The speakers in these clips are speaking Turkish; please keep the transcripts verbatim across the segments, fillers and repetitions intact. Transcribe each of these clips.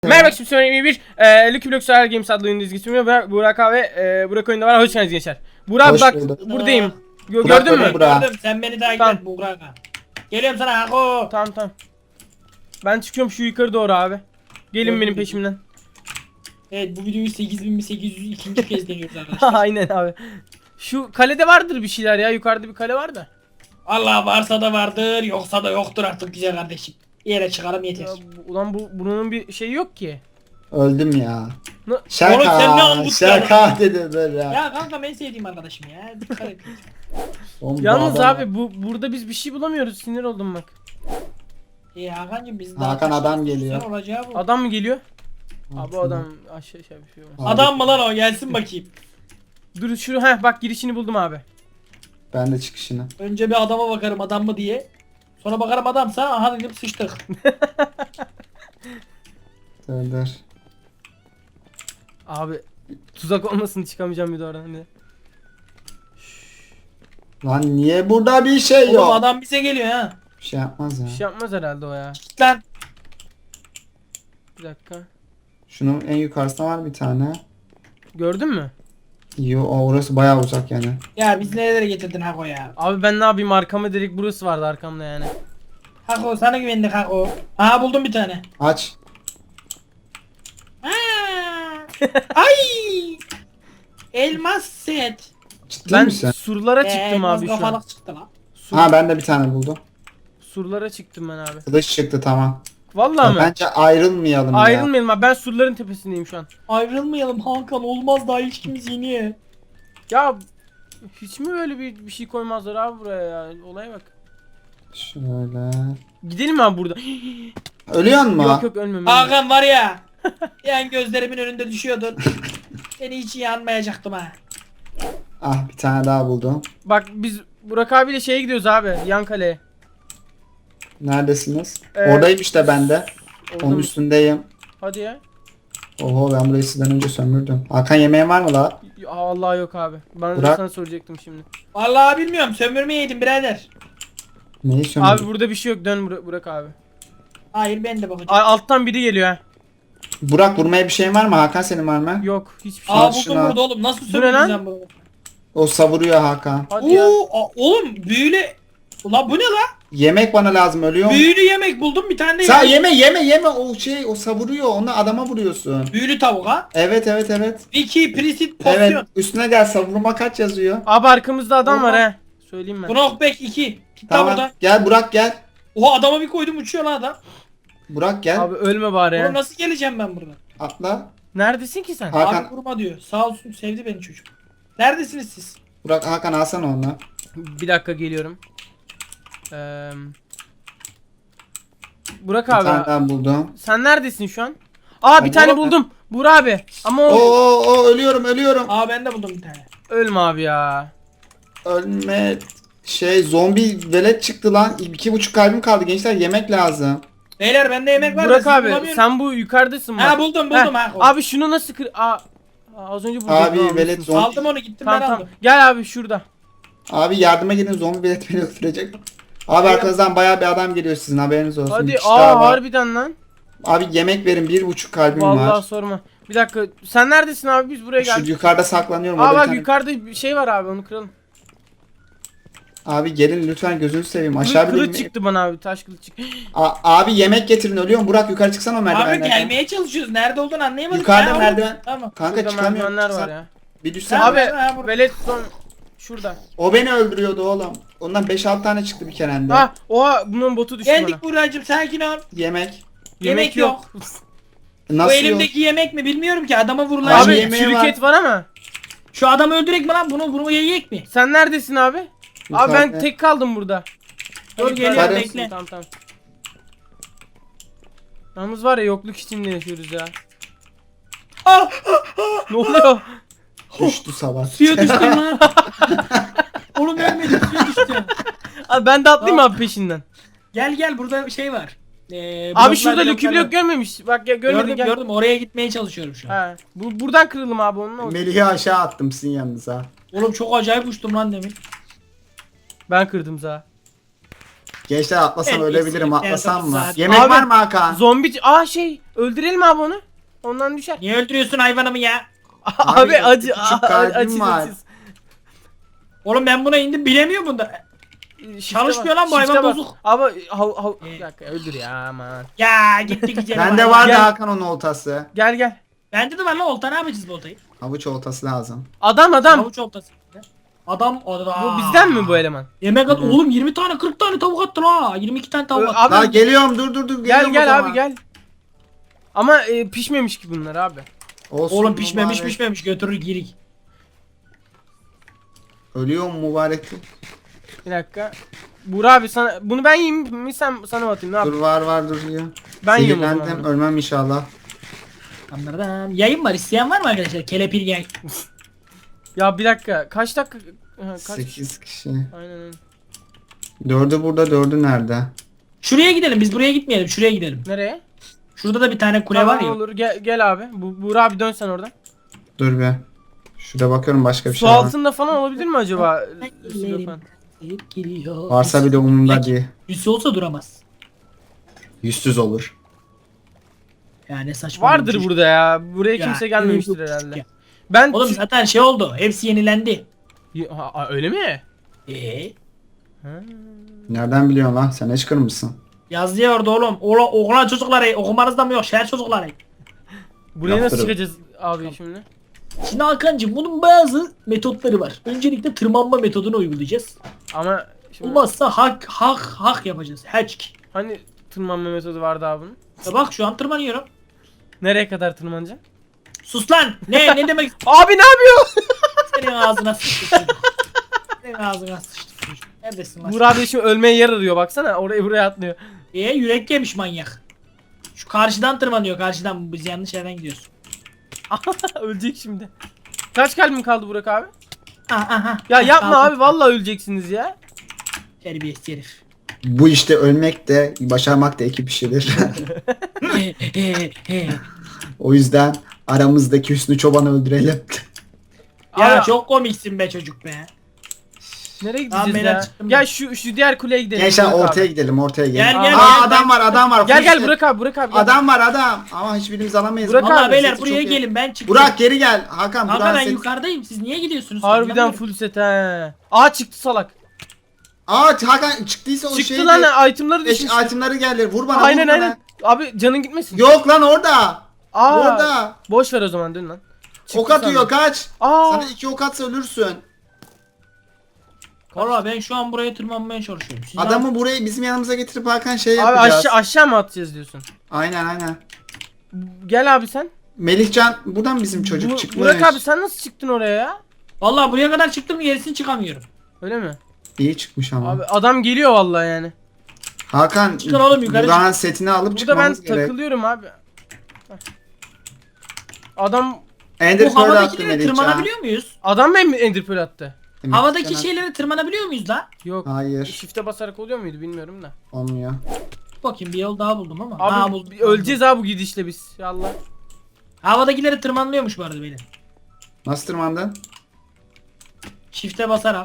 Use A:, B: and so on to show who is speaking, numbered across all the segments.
A: Merhaba, şimdi söyleyeyim bir e, Lucky Block Solar Games adlı oyunu dizgisi ve Burak abi e, Burak oyunda var. Hoş geldiniz gençler. Burak
B: Hoş
A: bak
B: bulduk.
A: buradayım. Gö-
B: Burak
A: gördün mü?
B: böyle Burak.
C: Gördüm, sen beni takip
A: Tamam.
C: et Buğra'na. Geliyorum sana Hako.
A: Tamam tamam. Ben çıkıyorum şu yukarı doğru abi. Gelin
C: Gördüm,
A: benim
C: gördüm.
A: peşimden.
C: Evet, bu videoyu sekiz bin sekiz yüz ikinci kez deniyoruz arkadaşlar.
A: Aynen abi. Şu kalede vardır bir şeyler ya. Yukarıda bir kale var da.
C: Allah varsa da vardır, yoksa da yoktur artık güzel kardeşim. Bir yere çıkarım yeter.
A: Ya, bu- ulan bu bunun bir şeyi yok ki.
B: Öldüm ya.
A: Ne-
C: Oğlum sen ne
B: Şaka,
C: angut
B: şaka dedi böyle.
C: Ya kanka en sevdiğim arkadaşım ya. Dikkat et.
B: Oğlum bu
A: Yalnız
B: adam-
A: abi bu burada biz bir şey bulamıyoruz. Sinir oldum bak.
C: İyi Hakan'cım biz
B: Hakan adam geliyor.
C: Sen olacağı bu.
A: Adam mı geliyor? Abi bu adam aşağı aşağı bir şey olmaz.
B: Abi,
C: Adam mı lan o, gelsin bakayım.
A: Dur şu heh bak girişini buldum abi.
B: Ben de çıkışını.
C: Önce bir adama bakarım adam mı diye. Sonra bakarım adamsa aha dedim sıçtık.
B: Dur dur.
A: Abi tuzak olmasın, çıkamayacağım bir de oradan. Bir de.
B: Lan niye burada bir şey
C: Oğlum
B: yok?
C: adam bize geliyor ha.
B: Bir şey yapmaz ya.
A: Bir şey yapmaz herhalde o ya.
C: Git lan.
A: Bir dakika.
B: Şunun en yukarısında var bir tane.
A: Gördün mü?
B: Yo, o orası bayağı uzak yani.
C: Ya biz nerelere getirdin Hako ya.
A: Abi ben ne yapayım, arkama direkt burası vardı arkamda yani.
C: Hako sana güvendik Hako. Aha buldum bir tane.
B: Aç.
C: Aa! Ay! Elmas set.
B: Ciddi
A: Ben
B: misin?
A: surlara
C: Ee,
A: çıktım
C: elmas
A: abi şu an.
C: kafalık çıktı lan.
A: Sur-
B: Ha ben de bir tane buldum.
A: surlara çıktım ben abi.
B: Kılıç çıktı tamam.
A: Vallahi
B: Ya
A: mı?
B: bence ayrılmayalım ya.
A: Ayrılmayalım abi, ben surların tepesindeyim şu an.
C: Ayrılmayalım Hakan, olmaz daha ilişkimiz yeni.
A: Ya hiç mi böyle bir, bir şey koymazlar abi buraya ya? Olaya bak.
B: Şöyle.
A: Gidelim mi abi burada?
B: Ölüyor mu?
A: Yok yok, ölmem. ölmem.
C: Hakan var ya. Yani gözlerimin önünde düşüyordun. Seni hiç iyi anmayacaktım ha.
B: Ah bir tane daha buldum.
A: Bak biz Burak abiyle şeye gidiyoruz abi, yan kaleye.
B: Neredesiniz?
A: Ee,
B: Oradayım işte ben de.
A: Orada
B: Onun
A: mı?
B: üstündeyim.
A: Hadi ya.
B: Oho ben burayı sizden önce sömürdüm. Hakan yemeğin var mı la?
A: Ya Allah yok abi. Ben de
B: Burak-
A: sana soracaktım şimdi.
C: Vallahi bilmiyorum, sömürmeyeydim birader.
B: Neyi sömürdün?
A: Abi burada bir şey yok, dön Burak, Burak abi.
C: Hayır ben de bakacağım.
A: A- alttan biri geliyor ha.
B: Burak vurmaya bir şeyin var mı? Hakan senin var mı?
A: Yok hiçbir şey.
C: Aa
B: Al
C: buldum
B: şunu.
C: burada oğlum, nasıl
A: Bu ne
C: sömürdün
A: lan?
C: sen bunu?
B: O savuruyor Hakan.
A: Hadi ya.
C: Oo, a- oğlum büyülü. Ulan bu ne lan?
B: Yemek bana lazım ölüyor mu?
C: Büyülü yemek buldum bir tane de
B: Sa
C: yemek.
B: yeme yeme yeme o şey o savuruyor onu adama vuruyorsun.
C: Büyülü tavuk ha.
B: Evet evet evet.
C: Vicky Prisit Posyon.
B: Evet üstüne gel savurma kaç yazıyor.
A: Abi arkamızda adam var
C: Oha.
A: ha. Söyleyeyim ben.
C: Knockback iki. Git lan
B: Tamam
C: buradan.
B: gel Burak gel.
C: Oha adama bir koydum uçuyor lan adam.
B: Burak gel
A: Abi ölme bari
C: Oğlum
A: ya.
C: nasıl geleceğim ben buradan?
B: atla.
A: Neredesin ki sen?
B: Ha- Hakan-
C: Abi vurma diyor. Sağ olsun, sevdi beni çocuk. Neredesiniz siz?
B: Burak Hakan alsana onu.
A: Bir dakika geliyorum. Ee, Burak
B: Bir tane
A: abi.
B: daha buldum.
A: Sen neredesin şu an? Aa bir
B: Ben
A: tane
B: buldum.
A: buldum. Burak abi. Ama
B: Oo,
A: o
B: oo, oo, ölüyorum ölüyorum.
C: Aa ben de buldum bir tane.
A: ölme abi ya.
B: Ölme şey zombi velet çıktı lan. İki buçuk kalbim kaldı gençler yemek lazım.
C: Beyler bende yemek var da
A: Burak
C: sizi
A: abi
C: bulamıyorum.
A: sen bu yukarıdasın bak.
C: Ha buldum buldum
A: Heh,
C: ha.
A: Abi şunu nasıl kır... Aa, az önce buldum.
B: Abi
A: Tamam,
B: velet
A: mısın?
B: zombi.
C: Aldım onu, gittim
A: Tamam
C: ben
A: tamam.
C: aldım.
A: Gel abi şurada.
B: Abi yardıma gelin zombi velet beni öldürecek. Abi arkanızdan bayağı bir adam geliyor sizin haberiniz olsun.
A: Hadi
B: Bir kişi daha
A: aa
B: var.
A: harbiden lan.
B: Abi yemek verin bir buçuk kalbim
A: Vallahi
B: var.
A: sorma. Bir dakika. Sen neredesin abi? Biz buraya
B: Şu
A: geldik.
B: yukarıda saklanıyorum.
A: Aa
B: orada bir
A: bak
B: tane-
A: yukarıda bir şey var abi, onu kıralım.
B: Abi gelin lütfen gözünü seveyim.
A: Kılıç,
B: Aşağı bir
A: kılıç çıktı bana abi, taş kılıç çıktı.
B: A- abi yemek getirin ölüyorum. Burak yukarı çıksana o
C: Abi
B: merdivenlerden.
C: gelmeye çalışıyoruz. Nerede olduğunu anlayamadım.
B: Yukarıda
C: Ya,
B: merdiven.
C: Tamam.
B: Kanka
A: Burada
B: çıkamıyorum.
A: merdivenler var
B: Çıksan-
A: ya.
B: Bir düşsene.
C: Tamam.
B: Abi.
A: Abi
C: ha, burada.
A: velet son şurada.
B: O beni öldürüyordu oğlum. Ondan beş altı tane çıktı bir kerende.
A: Ha oha, bunun botu düştü
C: Geldik
A: bana.
C: Buracığım, sakin ol.
B: Yemek.
C: Yemek yok.
B: Nasıl
C: Bu
B: yok?
C: elimdeki yemek mi bilmiyorum ki, adama vurulan.
B: Abi,
A: Abi
B: yemeği
A: çürük
B: var.
A: et var ama.
C: Şu adamı öldürek mi lan, bunu vurmaya yiyek mi?
A: Sen neredesin abi? Abi
B: Yukarıda.
A: ben tek kaldım burada.
C: Dur,
A: Hadi
C: geliyorum,
A: yukarıda
C: bekle.
A: mısın? Tamam tamam. Yalnız var ya, yokluk içinde yaşıyoruz ya.
C: Ah!
A: Ne oluyor?
B: Düştü sabah.
C: Suya düştüm lan. Oğlum ölmedim, suya düştüm.
A: Abi ben de atlayayım abi peşinden.
C: Gel gel, burada şey var. Ee,
A: Abi
C: bloklar,
A: şurada Lucky
C: bloklar var.
A: Block görmemiş. Bak ya, görmedin
C: Gördüm
A: gel.
C: gördüm, oraya gitmeye çalışıyorum şu an.
A: Ha. Bu, buradan kırılım abi onun olsun.
B: Melih'i aşağı attım sizin yanınıza.
C: Oğlum çok acayip uçtum lan demin.
A: Ben kırdım za.
B: Gençler atlasam
C: En
B: ölebilirim.
C: iyisi,
B: Atlasam
C: en
B: mı?
C: saat.
B: Yemek
A: Abi,
B: var mı Hakan?
A: Zombi... Aa şey öldürelim abi onu. Ondan düşer.
C: Niye öldürüyorsun hayvanımı ya?
A: Abi,
B: Abi,
A: acı
B: küçük
A: a-
B: kalbim
A: acı
B: var.
A: acı.
C: Oğlum ben buna indim bilemiyor bunda.
A: Shift'e
C: Çalışmıyor
A: bak,
C: lan bu hayvan
A: shift'e bak.
C: bozuk.
A: Abi hav hav
C: Ee.
A: bir dakika öldür ya aman.
C: Ya gitti güzelim.
B: Bende
C: hayvan.
B: vardı
A: Gel.
B: Hakan onun oltası.
A: Gel gel.
C: Bende de var lan olta, ne yapacağız bu oltayı?
B: Havuç oltası lazım.
A: Adam adam.
C: Havuç oltası. Adam adam.
A: Bu bizden mi bu eleman?
C: Yemek at oğlum, yirmi tane kırk tane tavuk attın ha. yirmi iki tane tavuk
A: Ö,
C: attın.
A: abi
B: Daha geliyorum dur dur dur.
A: gel
B: geliyorum o
A: gel
B: zaman.
A: abi gel. Ama e, pişmemiş ki bunlar abi.
B: Olsun
C: Oğlum pişmemiş
B: mübarek.
C: pişmemiş götürür girik.
B: Ölüyor mu mübarek?
A: Bir dakika. Buğra abi sana bunu ben yiyeyim mi sen sana mı atayım ne
B: Dur
A: yapayım?
B: var var dur ya.
A: Ben yiyorum o zaman
B: Sinirlendim,
A: bunu.
B: ölmem inşallah.
C: Anladım. Yayın var, isteyen var mı arkadaşlar? Kelepir yay.
A: Ya bir dakika kaç dakika ha, kaç
B: sekiz kişi.
A: Aynen öyle.
B: Dördü burada, dördü nerede?
C: Şuraya gidelim, biz buraya gitmeyelim, şuraya gidelim.
A: Nereye?
C: Şurada da bir tane kule
A: Tamam,
C: var ya.
A: olur gel, gel abi. Bu Buğra abi dön sen oradan.
B: Dur be. Şurada bakıyorum başka bir
A: Su
B: şey var.
A: altında falan olabilir mi acaba?
C: Ellerim
A: Falan.
C: giriyor.
B: Varsa bile umurumda
C: Belki
B: değil.
C: Yüzü olsa duramaz.
B: Yüzsüz olur.
C: Yani saçma.
A: Vardır
C: bir şey.
A: burada ya. Buraya
C: Ya,
A: kimse gelmemiştir
C: yok.
A: herhalde. Ben
C: Oğlum zaten şey oldu, hepsi yenilendi.
A: Ha, ha, öyle mi?
C: Eee?
A: Ha.
B: Nereden biliyorsun lan? Sen eşkır mısın?
C: Yazıyor orada oğlum. Oğlan, oğlan çocukları okumanız da mı yok? Şehir çocukları.
A: Buraya nasıl
B: Yaptırın.
A: çıkacağız abi şimdi?
C: Şimdi Hakan'cığım bunun bazı metotları var. Öncelikle tırmanma metodunu uygulayacağız.
A: Ama şimdi
C: Olmazsa hak hak hak yapacağız. Hatchk.
A: hani tırmanma metodu vardı abi bunun?
C: Ya bak şu an tırmanıyorum.
A: Nereye kadar tırmanacaksın?
C: Sus lan. Ne ne demek?
A: Abi ne yapıyor?
C: Senin ağzına sıçtı çocuk. Senin ağzına sıçtı çocuk. Neredesin lan?
A: Buğra abi şimdi ölmeye yer arıyor baksana oraya buraya atlıyor.
C: Ee, yürek yemiş manyak. Şu karşıdan tırmanıyor, karşıdan. Biz yanlış yerden gidiyoruz.
A: Ölecek şimdi. Kaç kalbim kaldı Burak abi?
C: Aha, aha.
A: Ya yapma
C: Kaldım.
A: abi vallahi öleceksiniz ya.
C: Terbiyesiz herif.
B: Bu işte ölmek de başarmak da iki kişidir.
C: He, he, he.
B: O yüzden aramızdaki Hüsnü Çoban'ı öldürelim.
C: Ya
A: Abi,
C: çok komiksin be çocuk be.
A: nereye
C: Tamam,
A: gideceğiz
C: beyler,
A: ya?
C: çıktım
A: Gel
C: ben.
A: şu şu diğer kuleye gidelim.
B: Gençler
A: Burak
B: ortaya
A: abi.
B: gidelim ortaya gidelim.
C: Gel, gel,
B: Aa
C: gel,
B: adam
C: ben-
B: var adam var.
A: Gel gel
B: Full
A: Burak abi Burak abi. Gel.
B: Adam var adam. Ama hiçbirimiz alamayız.
A: Burak
B: Vallahi
C: Valla
A: abi,
C: beyler
B: sesi
C: buraya
B: çok iyi.
C: gelin, ben çıktım.
B: Burak geri gel. Hakan
C: Kanka
B: Burak
C: ben
B: seni...
C: yukarıdayım, siz niye gidiyorsunuz?
A: Harbiden
C: Anlamıyorum.
A: full set he. Aa çıktı salak.
B: Aa Hakan çıktıysa o
A: Çıktı
B: şeydi.
A: lan itemları
B: Eş,
A: düşmüş.
B: itemları geldi. Vur bana
A: Aynen
B: vur bana.
A: aynen. Abi canın gitmesin.
B: Yok lan orada.
A: Aa,
B: Orada.
A: boş ver o zaman dön lan. Çıktı
B: Ok atıyor
A: sandım.
B: kaç.
A: Aa.
B: Sana iki ok atsa ölürsün.
C: Valla ben şu an buraya tırmanmaya çalışıyorum. Siz
B: Adamı buraya bizim yanımıza getirip Hakan şey
A: Abi
B: yapacağız.
A: aşağı aşağı mı atacağız diyorsun?
B: Aynen aynen.
A: Gel abi sen.
B: Melihcan buradan bizim çocuk
A: Bu-
B: çıkmış.
A: Burak abi sen nasıl çıktın oraya ya?
C: Valla buraya kadar çıktım, gerisini çıkamıyorum.
A: Öyle mi?
B: İyi çıkmış ama.
A: Abi adam geliyor vallahi yani.
B: Hakan
C: Çıkın oğlum, yukarı
B: Burak'ın setini alıp
A: Burada ben
B: çıkmamız gerek.
A: takılıyorum abi. Heh. Adam
B: Ender
C: Bu
B: Pearl attı
C: havadakilere
B: Melihcan.
C: tırmanabiliyor muyuz?
A: adam mı Ender Pearl attı?
B: Melihcan
C: Havadaki
B: attı.
C: şeylere tırmanabiliyor muyuz la?
A: Yok.
B: Hayır
A: Shift'e basarak oluyor muydu bilmiyorum da.
B: olmuyor.
C: Bakayım bir yol daha buldum ama.
A: Abi
C: ha, buldum.
A: öleceğiz abi bu gidişle biz. Ya Allah.
C: Havadakilere tırmanılıyormuş bu arada beyler.
B: Nasıl tırmandın?
C: Shift'e basarak.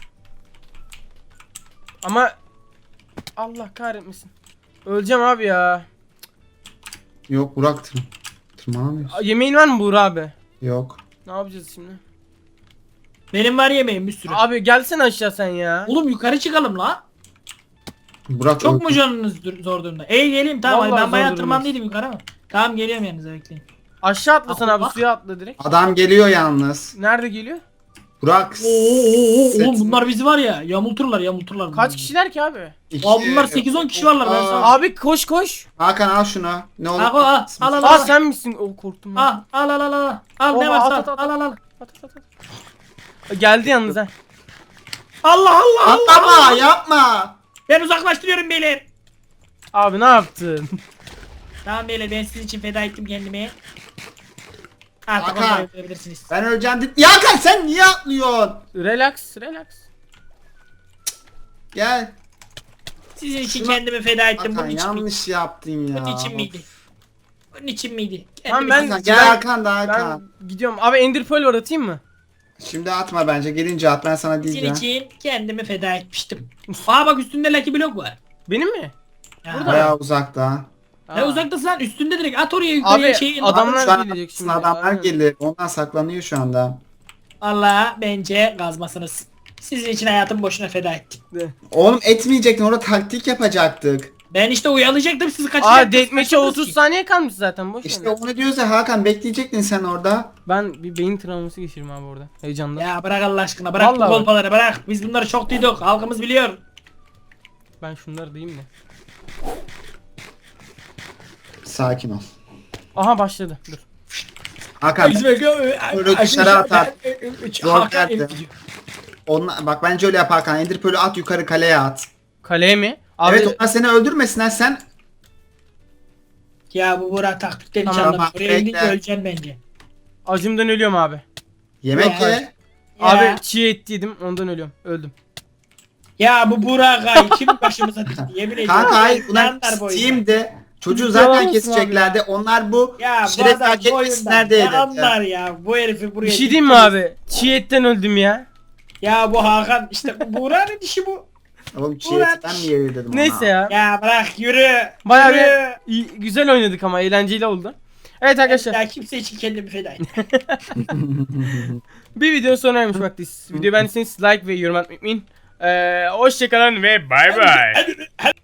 A: Ama Allah kahretmesin. Öleceğim abi ya.
B: Yok Burak tır tırmanamıyorsun.
A: A- Yemeğin var mı Buğra abi?
B: Yok.
A: Ne yapacağız şimdi?
C: Benim var yemeğim bir sürü.
A: Abi gelsene aşağı sen ya.
C: Oğlum yukarı çıkalım la.
B: Burak
C: Çok
B: öldü.
C: mu canınız dur- zor durumda? Ey geleyim tamam,
A: Vallahi
C: hadi ben
A: zor
C: bayağı
A: durumdayız.
C: tırmandıydım yukarı ama. Tamam geliyorum yanınıza, bekleyin.
A: Aşağı atlasan
C: Aa,
A: abi
C: bak.
A: suya atla direkt.
B: Adam geliyor yalnız.
A: Nerede geliyor?
B: Burak.
C: Oo, oo, oo,
B: set-
C: oğlum bunlar bizi var ya, yamulturlar yamulturlar. bunlar
A: Kaç
C: bizi.
A: kişiler ki abi?
B: İki-
C: Aa, bunlar sekiz on kişi varlar, ben
B: Aa,
C: sana-
A: Abi koş koş.
B: Hakan al şunu. Ne olur.
C: Al, al, al, al,
A: Aa sen misin? O korktum ben.
C: Al al al al al. Al ne
A: Oha,
C: varsa
A: at,
C: al
A: at,
C: al al. al.
A: At, at, at, at. Geldi yalnız ha.
C: Allah Allah Allah.
B: Atlama
C: Allah.
B: yapma.
C: Ben uzaklaştırıyorum beyler.
A: Abi ne yaptın?
C: Tamam beyler, ben sizin için feda ettim kendimi. Artık
B: Hakan.
C: onu yapabilirsiniz.
B: Ben öleceğim dedi. Ya Hakan sen niye atlıyorsun?
A: Relax, relax.
B: Gel.
C: Sizin için
B: Şuna-
C: kendimi feda ettim.
B: Hakan
C: Bunun için miydi?
B: yanlış yaptın ya.
C: Bunun için miydi? Bunun için miydi?
A: Tamam,
C: Kendimi-
A: ben-
B: Hakan, gel
A: Ben-
B: Hakan da Hakan.
A: Ben gidiyorum. Abi Ender Pearl var atayım mı?
B: Şimdi atma bence. Gelince at ben sana
C: Sizin
B: diyeceğim.
C: için kendimi feda etmiştim. Aa bak üstünde Lucky Block var.
A: Benim mi?
C: Ya.
A: Burada.
B: Bayağı uzakta.
C: Ne
A: Aa.
C: uzaktasın lan, üstünde direkt at oraya yukarıya
A: Abi
C: şeyin.
A: adamlar
B: Şu an
A: gelecek şimdi.
B: adamlar
A: Aynen.
B: gelir. Ondan saklanıyor şu anda.
C: Allah bence gazmasınız. Sizin için hayatımı boşuna feda ettim.
B: Oğlum etmeyecektin. Orada taktik yapacaktık.
C: Ben işte uyalayacaktım, sizi kaçıracaktım.
A: Aa deathmatch'e
C: Kaçırdınız
A: otuz
C: ki.
A: saniye kalmış zaten boş
B: İşte
A: ver.
B: onu diyoruz ya Hakan, bekleyecektin sen orada.
A: Ben bir beyin travması geçiririm abi orada. Heyecandan.
C: Ya bırak Allah aşkına, bırak
A: Vallahi
C: bu kolpaları bırak. Biz bunları çok duyduk, halkımız biliyor.
A: Ben şunları diyeyim de.
B: Sakin ol.
A: Aha başladı. Dur.
B: Hakan Böyle dışarı atar. Zor geldi. Onla, bak bence öyle yap Hakan. Ender Pearl'ü at yukarı kaleye at.
A: Kaleye mi? Abi
B: Evet, onlar seni öldürmesinler, sen.
C: Ya bu Burak taktikten hiç
A: Tamam,
C: anlamıyor.
B: bak,
C: Oraya indince
B: bekle.
C: öleceksin bence.
A: acımdan ölüyorum abi.
B: Yemek
C: Ya.
B: ye.
A: Abi
C: Ya,
A: çiğ et yedim ondan ölüyorum. Öldüm.
C: ya bu Burak ay kim başımıza dikti, yemin ediyorum.
B: Kanka hayır, bunlar
C: Yanlar bu oyunda.
B: Steam'de. Çocuğu
A: Yalan
B: zaten
A: olsun
B: keseceklerdi. Onlar bu
C: Ya bu
B: şeref
C: adam
B: hak
C: bu oyundan
B: etmesinler
C: ne
B: diye.
C: anlar ya, bu herifi buraya
A: Bir şey diyeyim mi
C: diktiniz.
A: abi? Çiğ etten öldüm ya.
C: Ya bu Hakan işte, bu Burak'ın dişi bu.
B: Oğlum
C: Ulan.
B: çiğ ben mi yeri dedim ona.
A: Neyse ya.
C: Ya bırak yürü.
A: Bayağı
C: yürü.
A: bir iyi- güzel oynadık ama eğlenceli oldu. Evet arkadaşlar.
C: Ya kimse için kendimi feda ettim.
A: Bir videonun sonuna gelmiş vaktiyiz. Videoyu beğendiyseniz like ve yorum atmayı unutmayın. Ee, hoşçakalın ve bay bay.